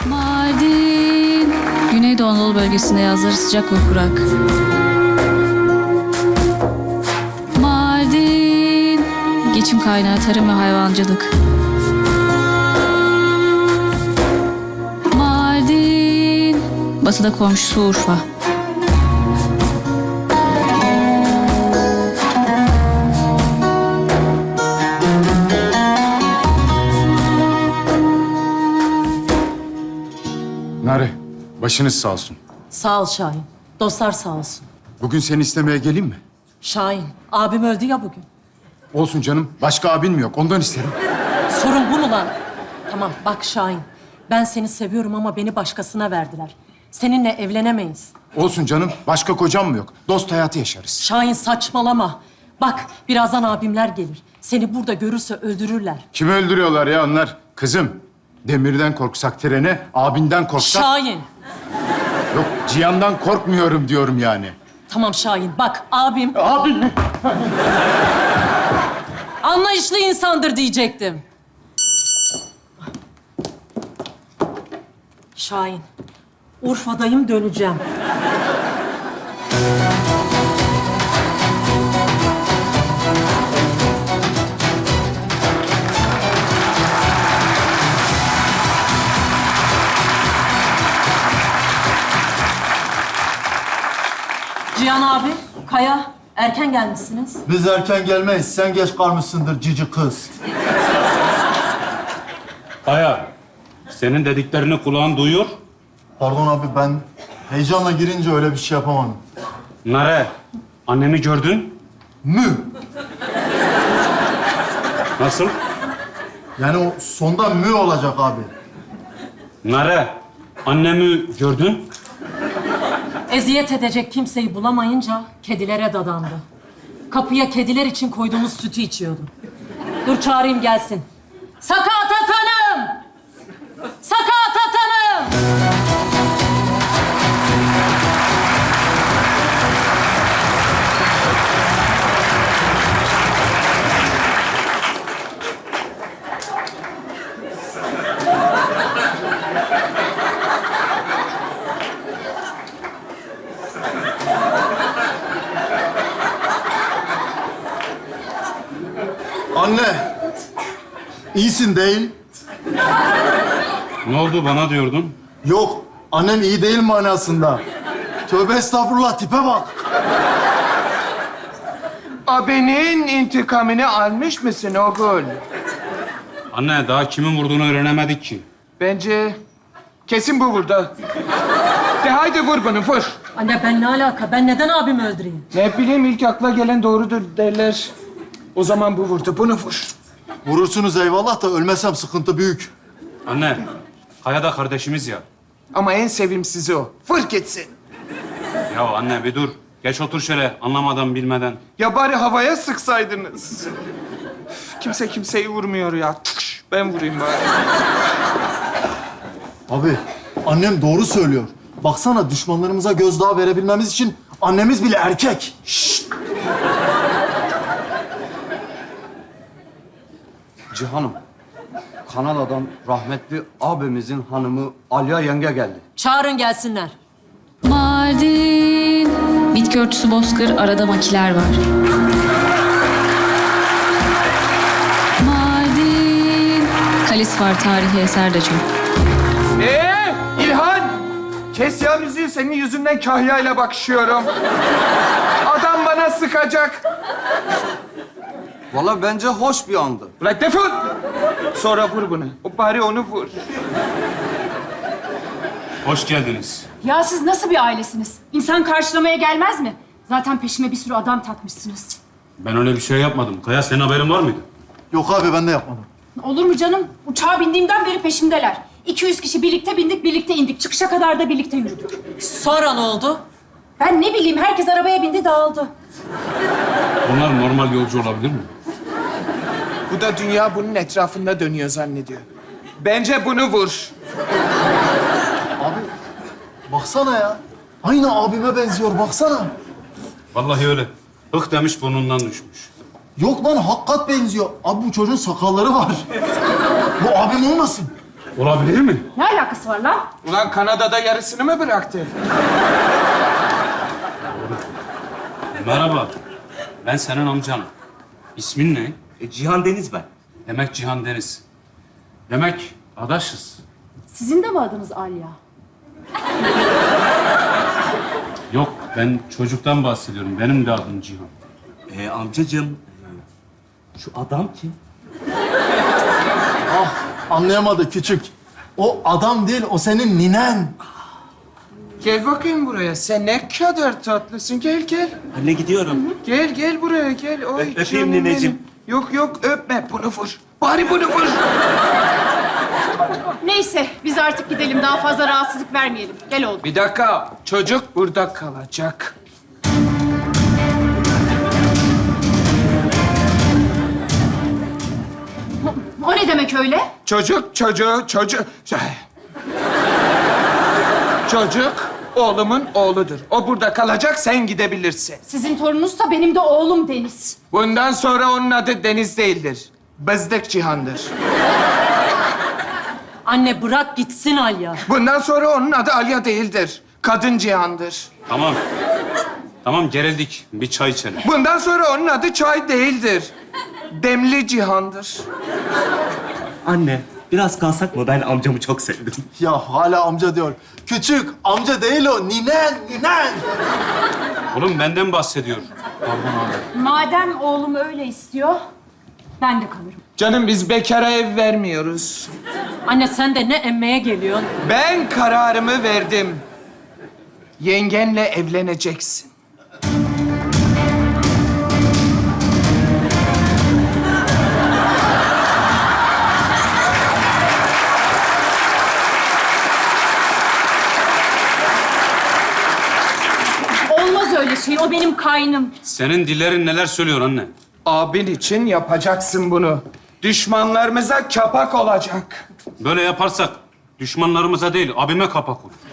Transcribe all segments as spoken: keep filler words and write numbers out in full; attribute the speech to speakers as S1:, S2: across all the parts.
S1: Mardin. Güneydoğu Anadolu bölgesinde yazları sıcak ve kurak. Mardin. Geçim kaynağı tarım ve hayvancılık. Mardin. Batıda komşusu Urfa.
S2: Nare, başınız sağ olsun.
S3: Sağ ol Şahin. Dostlar sağ olsun.
S2: Bugün seni istemeye geleyim mi?
S3: Şahin, abim öldü ya bugün.
S2: Olsun canım. Başka abin mi yok? Ondan isterim.
S3: Sorun bu mu lan? Tamam bak Şahin. Ben seni seviyorum ama beni başkasına verdiler. Seninle evlenemeyiz.
S2: Olsun canım. Başka kocam mı yok? Dost hayatı yaşarız.
S3: Şahin saçmalama. Bak birazdan abimler gelir. Seni burada görürse öldürürler.
S2: Kimi öldürüyorlar ya onlar? Kızım, demirden korksak trene, abinden korksak...
S3: Şahin.
S2: Yok, Cihan'dan korkmuyorum diyorum yani.
S3: Tamam Şahin bak abim
S2: Abin mi?
S3: anlayışlı insandır diyecektim. Şahin, Urfa'dayım döneceğim. Cihan abi, Kaya, erken gelmişsiniz.
S4: Biz erken gelmeyiz. Sen geç kalmışsındır cici kız.
S5: Aya, senin dediklerini kulağın duyuyor.
S4: Pardon abi, ben heyecanla girince öyle bir şey yapamadım.
S5: Nare, annemi gördün.
S4: Mü.
S5: Nasıl?
S4: Yani o sonda mü olacak abi.
S5: Nare, annemi gördün.
S3: Eziyet edecek kimseyi bulamayınca kedilere dadandı. Kapıya kediler için koyduğumuz sütü içiyordu. Dur çağırayım gelsin. Sakatat Hanım! Sakatat Hanım!
S4: Anne. İyisin değil.
S5: Ne oldu bana diyordun?
S4: Yok. Annem iyi değil manasında. Tövbe estağfurullah, tipe bak.
S6: Abinin intikamını almış mısın oğul?
S5: Anne, daha kimin vurduğunu öğrenemedik ki.
S6: Bence kesin bu vurdu. De haydi vur bunu, vur.
S3: Anne ben ne alaka? Ben neden abimi öldüreyim?
S6: Ne bileyim, ilk akla gelen doğrudur derler. O zaman bu vurdu, bunu vur.
S4: Vurursunuz eyvallah da ölmesem sıkıntı büyük.
S5: Anne, Kaya da kardeşimiz ya.
S6: Ama en sevimsizi o. Vur gitsin.
S5: Ya anne bir dur. Geç otur şöyle anlamadan bilmeden.
S6: Ya bari havaya sıksaydınız. Üf, kimse kimseyi vurmuyor ya. Tıkş, ben vurayım bari.
S4: Abi, annem doğru söylüyor. Baksana, düşmanlarımıza gözdağı verebilmemiz için annemiz bile erkek. Şşt!
S7: Cihanım, Kanada'dan rahmetli abimizin hanımı Alya yenge geldi.
S3: Çağırın gelsinler.
S1: Mardin. Bitki örtüsü bozkır, arada makiler var. Mardin. Kalis var, tarihi eser de çok.
S6: Ee, İlhan! Kes ya müziği, senin yüzünden kahyayla bakışıyorum. Adam bana sıkacak.
S7: Vallahi bence hoş bir andı.
S6: Ulan defol! Sonra vur bunu. O bari onu vur.
S5: Hoş geldiniz.
S8: Ya siz nasıl bir ailesiniz? İnsan karşılamaya gelmez mi? Zaten peşime bir sürü adam takmışsınız.
S5: Ben öyle bir şey yapmadım. Kaya, senin haberin var mıydı?
S4: Yok abi, ben de yapmadım.
S8: Olur mu canım? Uçağa bindiğimden beri peşimdeler. iki yüz kişi birlikte bindik, birlikte indik. Çıkışa kadar da birlikte yürüdük.
S3: Sonra ne oldu?
S8: Ben ne bileyim, herkes arabaya bindi, dağıldı.
S5: Bunlar normal yolcu olabilir mi?
S6: Bu da dünya bunun etrafında dönüyor zannediyor. Bence bunu vur.
S4: Abi, baksana ya. Aynı abime benziyor, baksana.
S5: Vallahi öyle. Hık demiş burnundan düşmüş.
S4: Yok lan, hakikat benziyor. Abi bu çocuğun sakalları var. Bu abim olmasın?
S5: Olabilir mi?
S8: Ne alakası var lan?
S6: Ulan Kanada'da yarısını mı bıraktı?
S5: Merhaba. Ben senin amcanım. İsmin ne?
S9: E, Cihan Deniz ben.
S5: Demek Cihan Deniz. Demek adaşız.
S8: Sizin de mi adınız Alya?
S5: Yok, ben çocuktan bahsediyorum. Benim de adım Cihan.
S9: E, amcacığım, e, şu adam kim?
S4: Ah, anlayamadı küçük. O adam değil, o senin ninen.
S6: Gel bakayım buraya. Sen ne kadar tatlısın. Gel gel.
S9: Anne gidiyorum.
S6: Gel gel buraya gel. Oy,
S9: Ö- öpeyim
S6: canım
S9: nineciğim.
S6: benim. Yok yok öpme. Bunu vur. Bari bunu vur.
S8: Neyse, biz artık gidelim. Daha fazla rahatsızlık vermeyelim. Gel oğlum.
S6: Bir dakika. Çocuk burada kalacak.
S8: O ne demek öyle?
S6: Çocuk, çocuğu, çocuk... Çocuk oğlumun oğludur. O burada kalacak, sen gidebilirsin.
S8: Sizin torununuzsa benim de oğlum Deniz.
S6: Bundan sonra onun adı Deniz değildir. Bezdik Cihan'dır.
S3: Anne bırak gitsin Alya.
S6: Bundan sonra onun adı Alya değildir. Kadın Cihan'dır.
S5: Tamam. Tamam, gerildik. Bir çay içelim.
S6: Bundan sonra onun adı Çay değildir. Demli Cihan'dır.
S9: Anne, biraz kalsak mı? Ben amcamı çok sevdim.
S4: Ya hala amca diyor. Küçük, amca değil o, ninen, ninen.
S5: Oğlum benden bahsediyor.
S8: Madem oğlum öyle istiyor, ben de kalırım.
S6: Canım biz bekara ev vermiyoruz.
S3: Anne sen de ne emmeye geliyorsun?
S6: Ben kararımı verdim. Yengenle evleneceksin.
S8: Olmaz öyle şey, o benim kaynım.
S5: Senin dillerin neler söylüyor anne?
S6: Abin için yapacaksın bunu. Düşmanlarımıza kapak olacak.
S5: Böyle yaparsak düşmanlarımıza değil, abime kapak olur.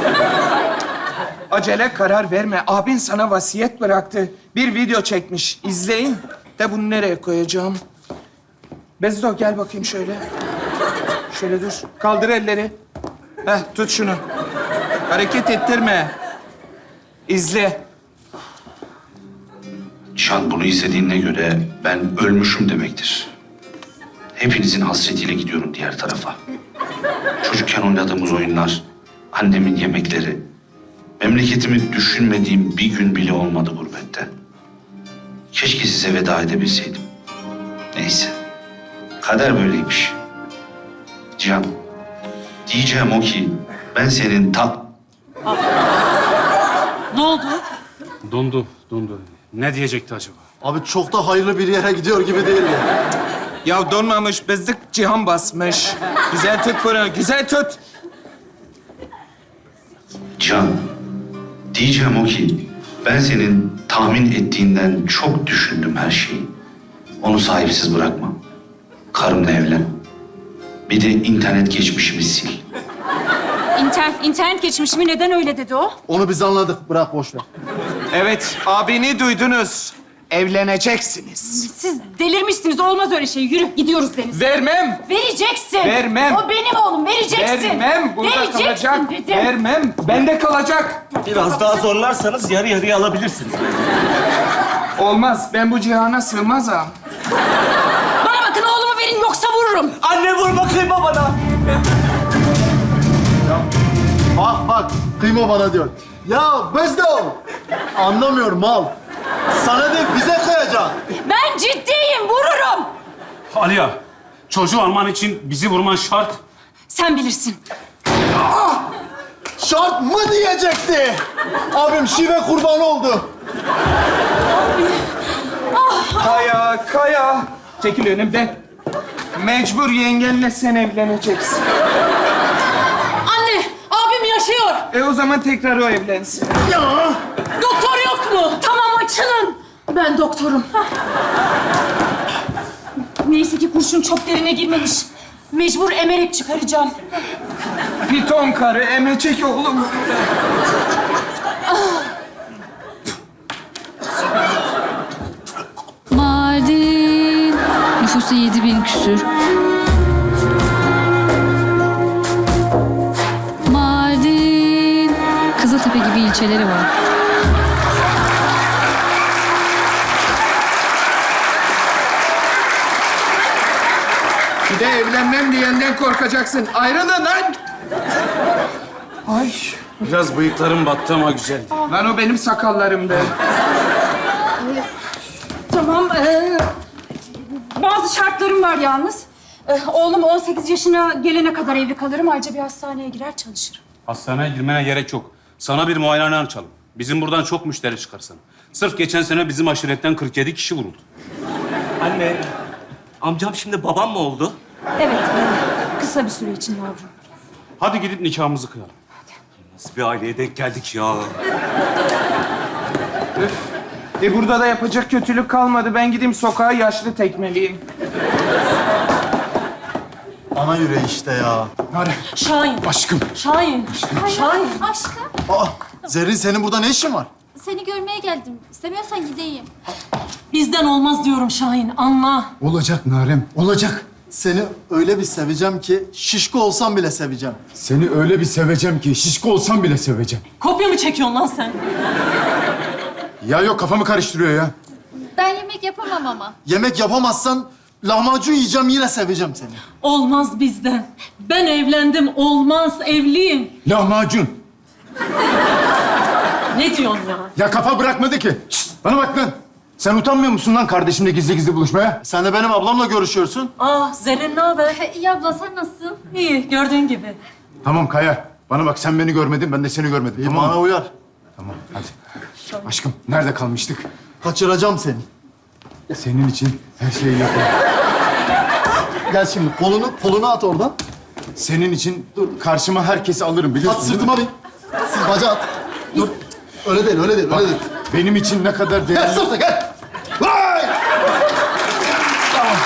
S6: Acele karar verme. Abin sana vasiyet bıraktı. Bir video çekmiş. İzleyin. De bunu nereye koyacağım? Bezdo gel bakayım şöyle. Şöyle dur. Kaldır elleri. Heh, tut şunu. Hareket ettirme. İzle.
S10: Cihan, bunu izlediğine göre ben ölmüşüm demektir. Hepinizin hasretiyle gidiyorum diğer tarafa. Çocukken oynadığımız oyunlar, annemin yemekleri, memleketimi düşünmediğim bir gün bile olmadı gurbette. Keşke size veda edebilseydim. Neyse, kader böyleymiş. Cihan, diyeceğim o ki ben senin tat...
S3: Ne oldu?
S5: Dondu, dondu. Ne diyecekti acaba?
S4: Abi çok da hayırlı bir yere gidiyor gibi değil mi?
S6: Ya donmamış bezdik Cihan basmış. Güzel tut bunu. Güzel tut.
S10: Cihan, diyeceğim o ki ben senin tahmin ettiğinden çok düşündüm her şeyi. Onu sahipsiz bırakma. Karımla evlen. Bir de internet geçmişimi sil.
S8: İnternet, internet geçmişimi neden öyle dedi o?
S4: Onu biz anladık, bırak boş ver.
S6: Evet, abini duydunuz. Evleneceksiniz.
S8: Siz delirmişsiniz, olmaz öyle şey. Yürü, gidiyoruz Deniz.
S6: Vermem.
S8: Vereceksin.
S6: Vermem.
S8: O benim oğlum, vereceksin.
S6: Vermem. Burada
S8: vereceksin
S6: kalacak.
S8: dedim.
S6: Vermem. Bende kalacak.
S9: Biraz daha zorlarsanız yarı yarıya alabilirsiniz.
S6: Olmaz. Ben bu cihana sığmazım.
S8: Bana bakın, oğlumu verin yoksa vururum.
S9: Anne vurma, kıyma bana.
S4: Bak bak, kıyma bana diyor. Ya Bezdo! Anlamıyorum mal. Sana değil, bize kıyacak.
S8: Ben ciddiyim, vururum.
S5: Aliya, çocuğu alman için bizi vurman şart.
S8: Sen bilirsin.
S4: Şart mı diyecekti? Abim şive kurban oldu.
S6: Kaya, Kaya. Çekil önümden. Mecbur yengenle sen evleneceksin.
S3: Anne abim yaşıyor.
S6: E o zaman tekrar o evlensin.
S4: Ya!
S3: Doktor yok mu?
S8: Tamam, açılın. Ben doktorum. Neyse ki kurşun çok derine girmemiş. Mecbur emerek çıkaracağım.
S6: Piton karı emecek oğlum.
S1: Mardin. Nüfusu yedi bin küsür. Kızıltepe gibi ilçeleri var.
S6: Bir de evlenmem diyenden korkacaksın. Ayrılın lan! Ay,
S5: Biraz bıyıklarım battı ama güzel.
S6: lan o benim sakallarımdı.
S8: Tamam. ee, bazı şartlarım var yalnız. Ee, oğlum on sekiz yaşına gelene kadar evli kalırım. Ayrıca bir hastaneye girer çalışırım.
S5: Hastaneye girmene gerek yok. Sana bir muayenehane açalım. Bizim buradan çok müşteri çıkarsın. Sırf geçen sene bizim aşiretten kırk yedi kişi vuruldu.
S9: Anne, amcam şimdi babam mı oldu?
S8: Evet. ee, kısa bir süre için yavrum.
S5: Hadi gidip nikahımızı kıyalım.
S9: Nasıl bir aileye denk geldik ya?
S6: E burada da yapacak kötülük kalmadı. Ben gideyim sokağa yaşlı tekmeliyim.
S4: Ana yüreği işte ya.
S3: Şahin.
S2: Aşkım.
S3: Şahin. Şahin.
S11: Aşkım,
S4: Aa, Zerrin senin burada ne işin var?
S11: seni görmeye geldim. İstemiyorsan gideyim.
S3: Bizden olmaz diyorum Şahin. Anla.
S2: Olacak Narem, olacak.
S4: Seni öyle bir seveceğim ki şişko olsam bile seveceğim.
S2: Seni öyle bir seveceğim ki şişko olsam bile seveceğim.
S3: Kopya mı çekiyorsun lan sen?
S2: Ya yok kafamı karıştırıyor ya.
S11: Ben yemek yapamam ama.
S4: Yemek yapamazsan lahmacun yiyeceğim yine seveceğim seni.
S3: Olmaz bizden. Ben evlendim. Olmaz. Evliyim.
S2: Lahmacun.
S3: Ne diyorsun ya?
S2: Ya kafa bırakmadı ki. Şşt, bana bak lan. Sen utanmıyor musun lan kardeşimle gizli gizli buluşmaya?
S4: Sen de benim ablamla görüşüyorsun.
S3: Ah Zerrin ne haber?
S11: İyi abla, sen nasılsın?
S3: İyi gördüğün gibi.
S2: Tamam Kaya. Bana bak sen beni görmedin, ben de seni görmedim.
S4: İyi,
S2: tamam
S4: bana
S2: mı?
S4: uyar.
S2: Tamam hadi. Aşkım nerede kalmıştık?
S4: Kaçıracağım seni.
S2: Senin için her şeyi yaparım.
S4: Gel şimdi kolunu kolunu at oradan.
S2: Senin için dur karşıma herkesi alırım biliyorsun
S4: At
S2: değil mi?
S4: sırtıma bin. Siz bacağı at. Dur. Öyle değil, öyle değil,
S2: Bak,
S4: öyle değil.
S2: benim için ne kadar
S4: Gel
S2: değerli...
S4: sırta gel. Vay! Tamam.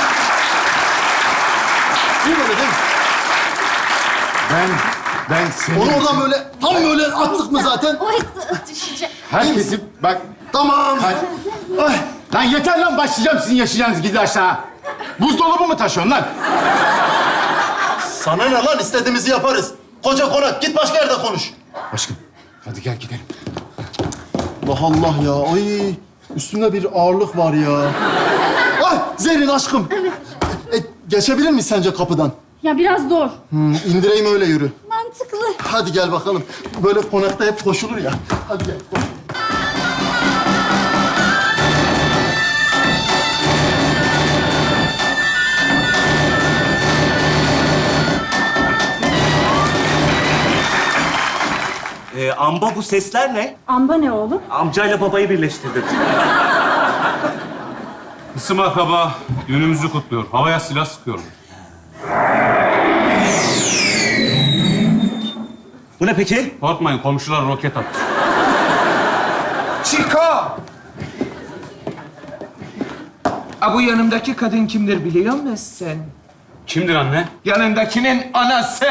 S4: İyi böyle değil mi?
S2: Ben, ben senin
S4: Onu
S2: için
S4: oradan böyle, tam böyle attık mı zaten?
S11: Oy, d- düşecek.
S2: herkesi... Bak,
S4: Tamam.
S2: Hadi.
S4: Ay.
S2: lan yeter lan başlayacağım sizin yaşayacağınız gidi aşağı. Buzdolabı mı taşıyorsun lan?
S4: Sana ne lan? İstediğimizi yaparız. Koca konak. Git başka yerde konuş.
S2: Aşkım, hadi gel gidelim.
S4: Allah Allah ya. Ay. Üstümde bir ağırlık var ya. Ay Zerrin aşkım. E, geçebilir miyiz sence kapıdan?
S8: Ya biraz zor.
S4: Hmm, indireyim öyle yürü.
S11: Mantıklı.
S4: Hadi gel bakalım. Böyle konakta hep koşulur ya. Hadi gel. Koş.
S9: Ee, amba bu sesler ne?
S8: Amba ne oğlum?
S9: Amcayla babayı birleştirdim.
S5: Kısım akraba günümüzü kutluyor. Havaya silah sıkıyor.
S9: Bu ne peki?
S5: Korkmayın komşular roket attı.
S6: Chico! A bu yanımdaki kadın kimdir biliyor musun?
S5: Kimdir anne?
S6: Yanındakinin anası.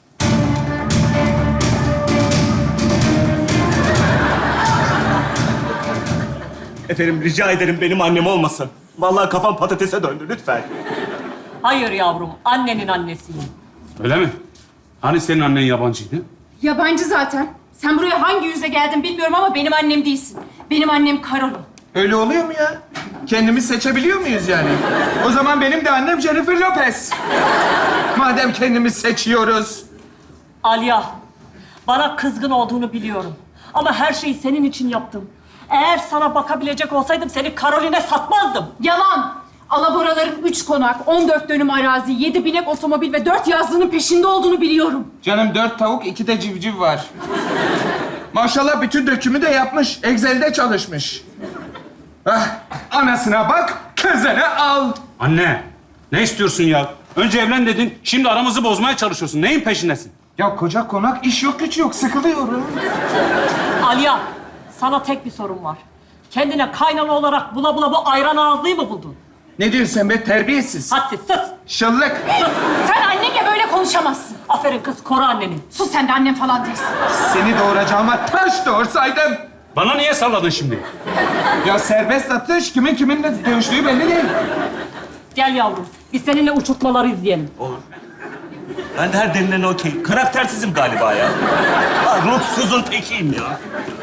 S9: Efendim rica ederim benim annem olmasın. Vallahi kafam patatese döndü lütfen.
S3: Hayır yavrum. Annenin annesiyim.
S5: Öyle mi? Hani senin annen yabancıydı?
S8: Yabancı zaten. Sen buraya hangi yüzle geldin bilmiyorum ama benim annem değilsin. Benim annem Karolin.
S6: Öyle oluyor mu ya? Kendimiz seçebiliyor muyuz yani? O zaman benim de annem Jennifer Lopez. Madem kendimiz seçiyoruz.
S3: Alya, bana kızgın olduğunu biliyorum. Ama her şeyi senin için yaptım. Eğer sana bakabilecek olsaydım seni Karolin'e satmazdım.
S8: Yalan. Alaboraların üç konak, on dört dönüm arazi, yedi binek otomobil ve dört yazlının peşinde olduğunu biliyorum.
S6: Canım dört tavuk, iki de civciv var. Maşallah bütün dökümü de yapmış. Excel'de çalışmış. Ah, anasına bak, kızını al.
S5: Anne, ne istiyorsun ya? Önce evlen dedin, şimdi aramızı bozmaya çalışıyorsun. Neyin peşindesin?
S6: Ya koca konak, iş yok güç yok, sıkılıyorum.
S3: Alya, sana tek bir sorum var. Kendine kaynana olarak bula bula bu ayran ağızlıyı mı buldun?
S6: Ne diyorsun sen be, terbiyesiz?
S3: Hadsiz, sus!
S6: Şıllık.
S8: Sen annemle böyle konuşamazsın.
S3: Aferin kız, koru anneni.
S8: Sus, sen de annem falan değilsin.
S6: Seni doğuracağıma taş doğursaydım.
S5: Bana niye salladın şimdi?
S6: Ya serbest atış, kimin kiminle dövüştüğü belli değil.
S3: Gel yavrum, biz seninle uçurtmaları izleyelim.
S9: Ben de her denilen okey. Karaktersizim galiba ya. Ha, ruhsuzun tekiyim ya.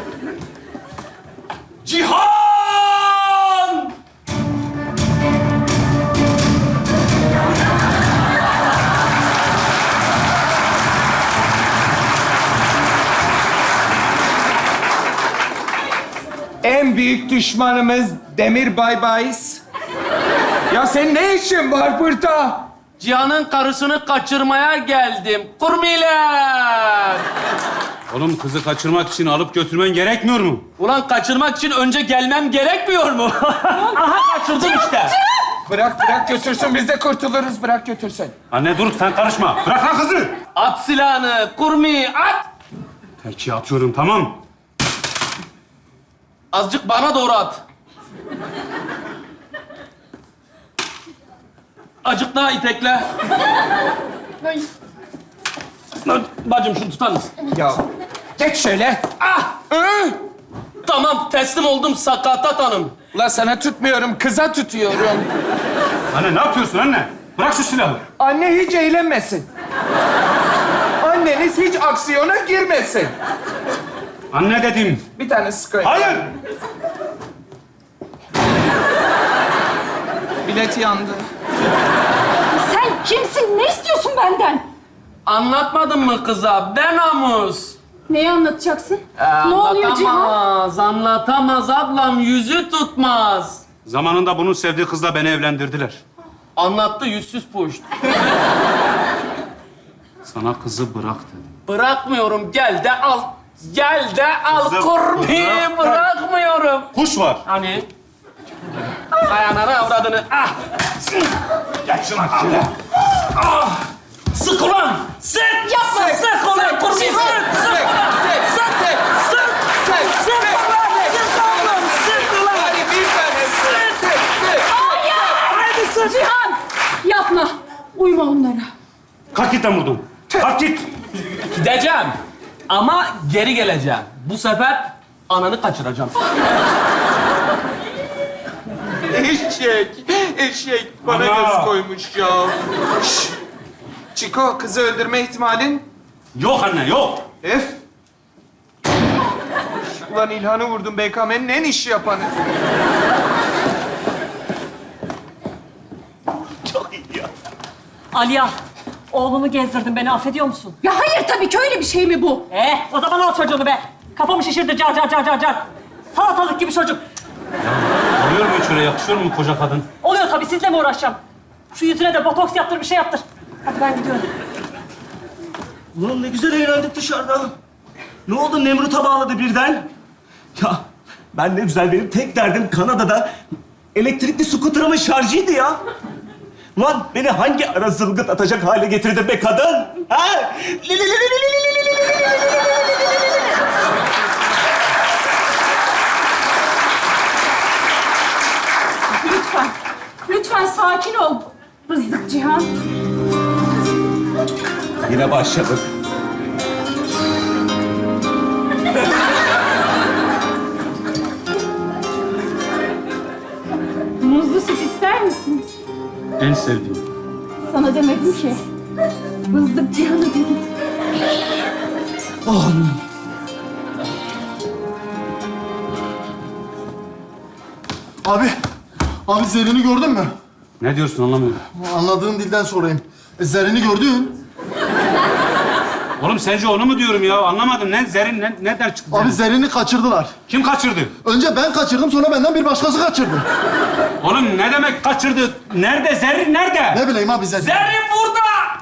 S9: Cihan!
S6: En büyük düşmanımız Demir Baybayız. Ya senin ne işin var burada?
S12: Cihan'ın karısını kaçırmaya geldim. Kurmiler!
S5: Oğlum kızı kaçırmak için alıp götürmen gerekmiyor mu?
S12: Ulan kaçırmak için önce gelmem gerekmiyor mu? Aha kaçırdım işte.
S6: Bırak bırak götürsün, biz de kurtuluruz. Bırak götürsün.
S5: Anne dur sen karışma. Bırak lan kızı.
S12: At silahını, kurmi at!
S5: Peki atıyorum tamam.
S12: Azıcık bana doğru at. Azıcık daha itekle. Lan bacım şunu tutar mısın?
S6: Ya geç şöyle.
S12: Ah!
S6: Hı?
S12: Tamam teslim oldum Sakatat Hanım.
S6: La sana tutmuyorum, kıza tutuyorum.
S5: Anne ne yapıyorsun anne? Bırak şu silahı.
S6: Anne hiç eğlenmesin. Anneniz hiç aksiyona girmesin.
S5: Anne dedim.
S6: Bir tane sıkayım.
S5: Hayır.
S6: Bilet yandı.
S8: Sen kimsin? Ne istiyorsun benden?
S12: Anlatmadın mı kıza? Ben Amus.
S8: Neyi anlatacaksın?
S12: Ee,
S8: ne oluyor Cihan?
S12: Anlatamaz, anlatamaz ablam. Yüzü tutmaz.
S5: Zamanında bunun sevdiği kızla beni evlendirdiler.
S12: Anlattı yüzsüz puşt.
S5: Sana kızı bırak dedim.
S12: Bırakmıyorum. Gel de al. Gel de al
S5: Kızım,
S12: kurbi.
S5: bırak.
S12: Bırakmıyorum.
S5: Kuş var.
S12: Hani? Ayağına avradını. Ah!
S5: Gel şuna şöyle.
S12: Sık ulan! Sık! Yapma! Sık, sık ulan kurbi! Sık! Sık! Sık! Sık! Sık! Sık! Sık! Sık ulan! Sık oğlum! Sık ulan!
S6: Hadi bir tane sık, sık, sık.
S8: Hadi sık. Cihan! Yapma. Uyma onlara.
S5: Kalk git lan buradan. Kalk git.
S12: Gideceğim. Ama geri geleceğim. Bu sefer ananı kaçıracağım.
S6: Eşek, eşek. Bana
S5: Ana.
S6: göz koymuş ya. Şşş. Çiko, kızı öldürme ihtimalin?
S5: Yok anne yok.
S6: Ef. Ulan İlhan'ı vurdum B K M'nin en iş yapanı.
S9: Çok iyi ya.
S3: Aliya, oğlumu gezdirdin. Beni affediyor musun?
S8: Ya hayır tabii ki öyle bir şey mi bu?
S3: Eh, o zaman al çocuğunu be. Kafamı şişirdi car car car car car. Salatalık gibi çocuk.
S5: Oluyor mu hiç öyle? Yakışıyor mu koca kadın?
S3: Oluyor tabii, sizle mi uğraşacağım? Şu yüzüne de botoks yaptır, bir şey yaptır. Hadi ben gidiyorum.
S9: Ulan ne güzel eğlendik dışarıda. Ne oldu Nemrut'a bağladı birden? Ya ben ne güzel, benim tek derdim Kanada'da elektrikli skuterımın şarjıydı ya. Ulan beni hangi ara zılgıt atacak hale getirdi be kadın? Ha?
S8: Lütfen. Lütfen sakin ol. Bızdık Cihan.
S9: Yine başladık.
S8: Muzlu süt ister misin?
S5: En sevdiğim.
S8: Sana demedim ki. Bızdık Cihan'ı dedim.
S4: Abi, abi Zerrin'i gördün mü?
S5: Ne diyorsun anlamıyorum.
S4: Anladığın dilden sorayım. E, Zerrin'i gördün.
S5: Oğlum sence onu mu diyorum ya? Anlamadım. Ne Zerin ne, nereden çıktı?
S4: Abi
S5: Zerin?
S4: Zerrin'i kaçırdılar.
S5: Kim kaçırdı?
S4: Önce ben kaçırdım, sonra benden bir başkası kaçırdı.
S5: Oğlum ne demek kaçırdı? Nerede? Zerrin nerede?
S4: Ne bileyim abi Zerrin.
S12: Zerrin burada!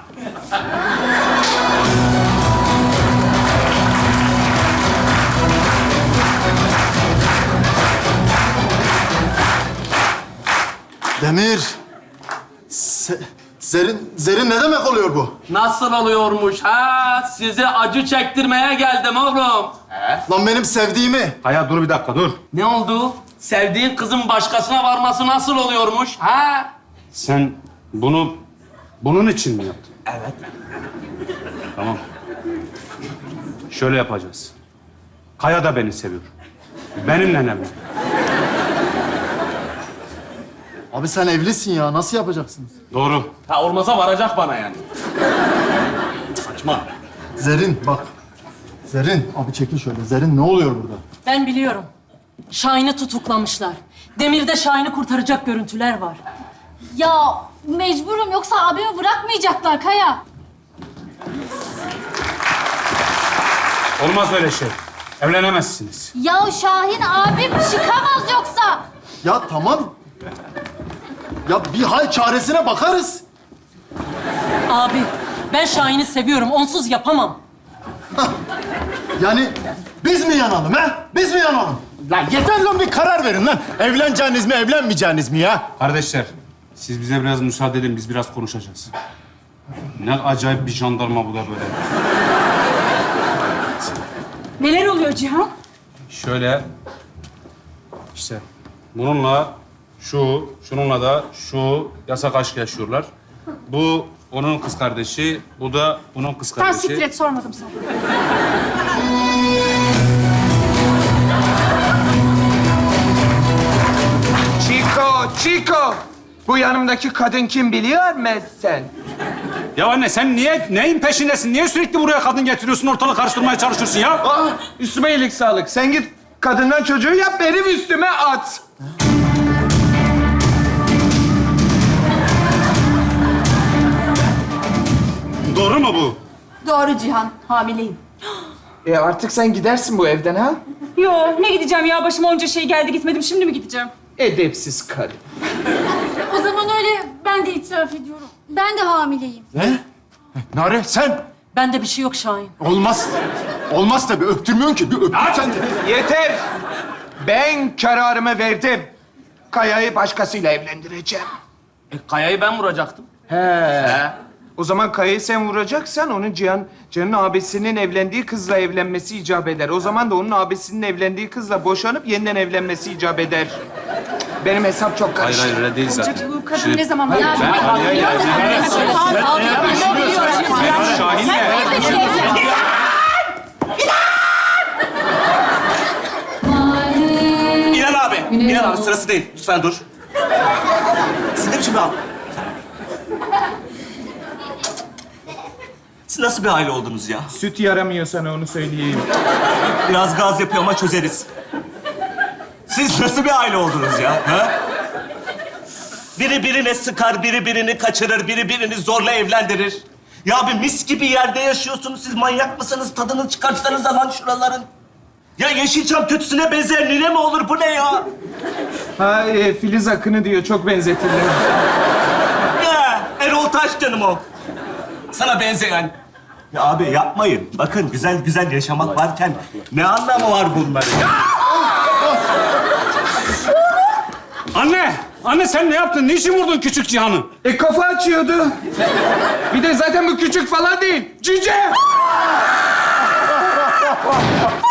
S4: Demir. Se- Zerin, Zerin ne demek oluyor bu?
S12: Nasıl oluyormuş ha? Size acı çektirmeye geldim oğlum.
S4: Lan benim sevdiğimi.
S5: Hayat dur bir dakika dur.
S12: Ne oldu? Sevdiğin kızın başkasına varması nasıl oluyormuş ha?
S5: Sen bunu bunun için mi yaptın?
S12: Evet.
S5: Tamam. Şöyle yapacağız. Kaya da beni seviyor. Benimle evlen.
S4: Abi sen evlisin ya. Nasıl yapacaksınız?
S5: Doğru.
S12: Ha olmasa varacak bana yani. Saçma.
S4: Zerrin bak. Zerrin. Abi çekil şöyle. Zerrin ne oluyor burada?
S3: Ben biliyorum. Şahin'i tutuklamışlar. Demir'de Şahin'i kurtaracak görüntüler var.
S11: Ya mecburum yoksa abimi bırakmayacaklar Kaya.
S5: Olmaz öyle şey. Evlenemezsiniz.
S11: Ya Şahin abim çıkamaz yoksa.
S4: Ya tamam. Ya bir hal çaresine bakarız.
S3: Abi, ben Şahin'i seviyorum. Onsuz yapamam.
S4: Yani biz mi yanalım ha? Biz mi yanalım?
S2: Lan yeter lan, bir karar verin lan. Evleneceğiniz mi, evlenmeyeceğiniz mi ya?
S5: Kardeşler, siz bize biraz müsaade edin, biz biraz konuşacağız. Ne acayip bir jandarma bu da böyle.
S8: Neler oluyor Cihan?
S5: Şöyle, işte bununla şu, şununla da şu yasak aşk yaşıyorlar. Bu onun kız kardeşi, bu da bunun kız
S8: Tamam
S5: kardeşi.
S8: siktir et, sormadım sana.
S6: Chico, Chico. Bu yanımdaki kadın kim biliyor musun?
S5: Ya anne sen niye, neyin peşindesin? Niye sürekli buraya kadın getiriyorsun, ortalığı karıştırmaya çalışıyorsun ya?
S6: Aa, üstüme iyilik sağlık. Sen git kadından çocuğu yap, benim üstüme at.
S5: Doğru mu bu?
S8: Doğru Cihan, hamileyim.
S6: E artık sen gidersin bu evden ha?
S8: Yo, ne gideceğim ya? Başıma onca şey geldi, gitmedim. Şimdi mi gideceğim?
S6: Edepsiz karı.
S11: O zaman öyle ben de itiraf ediyorum. Ben de hamileyim.
S2: Ne? Nare sen?
S3: Bende bir şey yok Şahin.
S2: Olmaz. Olmaz tabii. Öptürmüyorsun ki. Bir öptürsen de.
S6: Yeter. Ben kararımı verdim. Kaya'yı başkasıyla evlendireceğim.
S12: E, Kaya'yı ben vuracaktım.
S6: He. O zaman Kaya'yı sen vuracaksan onun Cihan, Cihan'ın abisinin evlendiği kızla evlenmesi icap eder. O zaman da onun abisinin evlendiği kızla boşanıp yeniden evlenmesi icap eder. Benim hesap çok
S5: Hayır
S6: karıştı.
S5: hayır öyle değil zaten.
S8: Bu kadın
S5: Şimdi
S8: ne zaman...
S11: Ya
S5: ben Ali'ye geldim. Ben Şahin'le...
S12: İnan abi. İnan abi sırası değil. Lütfen dur. Siz ne biçim abi? Siz nasıl bir aile oldunuz ya?
S6: Süt yaramıyor sana, onu söyleyeyim.
S12: Biraz gaz yapıyor ama çözeriz. Siz nasıl bir aile oldunuz ya? Ha? Biri birine sıkar, biri birini kaçırır, biri birini zorla evlendirir. Ya bir mis gibi yerde yaşıyorsunuz. Siz manyak mısınız? Tadını çıkartsanız lan şuraların. Ya Yeşilçam kötüsüne benzer nine mi olur? Bu ne ya?
S6: Ha, e, Filiz Akın'ı diyor, çok benzetirler.
S12: Ya Erol Taş canım o. Sana benzeyen. Ya abi yapmayın. Bakın güzel güzel yaşamak varken ne anlamı var bunların? Ya!
S5: Anne! Anne sen ne yaptın? Niçin vurdun küçük Cihan'ı?
S6: E kafa açıyordu. Bir de zaten bu küçük falan değil. Cüce!